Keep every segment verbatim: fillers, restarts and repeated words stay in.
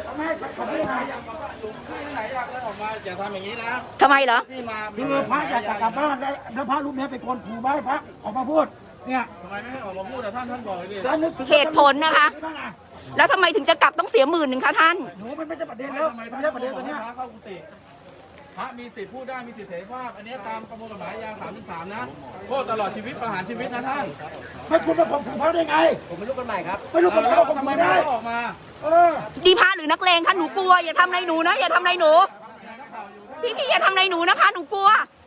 ไม่เขาไม่มาที่ไหนอยากเดินออกมาอย่าทำอย่างนี้นะทำไมเหรอที่มาคือพระอยากจะกลับบ้านแล้วแล้วพระรูปนี้เป็นคนขู่ไว้พระออกมาพูดเนี่ยทำไมไม่ให้ออกมาพูดแต่ท่านท่านบอกเลยดิแล้วนึกถึงเหตุผลนะคะ แล้วทำไมถึงจะกลับต้องเสียหมื่นหนึ่งคะท่านหนูมันไม่ใช่ประเด็นแล้วทำไมไม่ท่านใช่ประเด็นตัวให้เนี้ยพระเข้ากุฏิพระมีสิทธิ์พูดได้มีสิทธิเสรีภาพอันนี้ตามประมวลกฎหมายยาสามสิบสามนะโทษตลอดชีวิตประหารชีวิตนะท่านไม่คุณมาข่มขู่พระได้ไงผมไม่รู้กันใหม่ครับไม่รู้คนแล้เขาวข่มทำไมขู่ไม่ได้ออกมาเออดีพระหรือนักเลงคะหนูกลัวอย่าทำอะไรหนูนะอย่าทำอะไรหนู พี่พี่อย่าทำอะไรหนูนะคะ หนูกลัว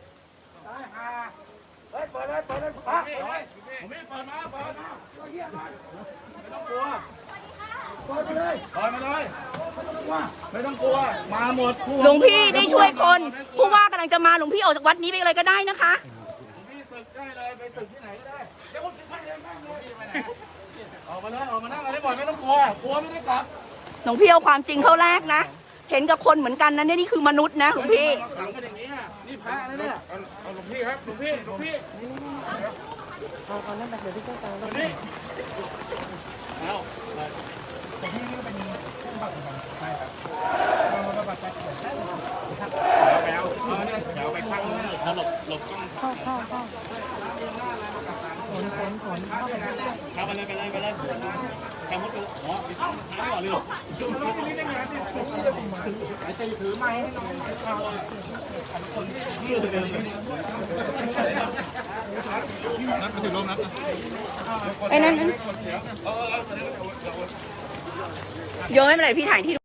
เฮ้ยเปิดเลยเปิดเลยพระผมไม่เปิดมาเปิดมาไม่ต้องกลัวเปิดไปเลยเปิดมาเลยว่าไม่ต้องกลัวมาหมดผู้หลวงพี่ได้ช่วยคน ผู้ว่ากำลังจะมาหลวงพี่ออกจากวัดนี้ไปเลยก็ได้นะคะหลวงพี่ศึกได้เลยไปศึกที่ไหนก็ได้เดี๋ยวผมศึกให้เลยแม่งหลวงพี่ไปไหนออกมาเลยออกมานั่งอะไรบ่อยไม่ต้องกลัวกลัวไม่ได้กลับหลวงพี่เอาความจริงเข้าแรกนะ เห็นกับคนเหมือนกันนะเนี่ยนี่คือมนุษย์นะหลวงพี่มาขังกันอย่างนี้อ่ะนี่พระนะเนี่ยเอาหลวงพี่ครับหลวงพี่หลวงพี่เอาเอานั่นไปเดี๋ยวพี่เจ้าตาแล้วนี่เอาไอ้นั่นโยนไม่เป็นไรพี่ถ่ายที่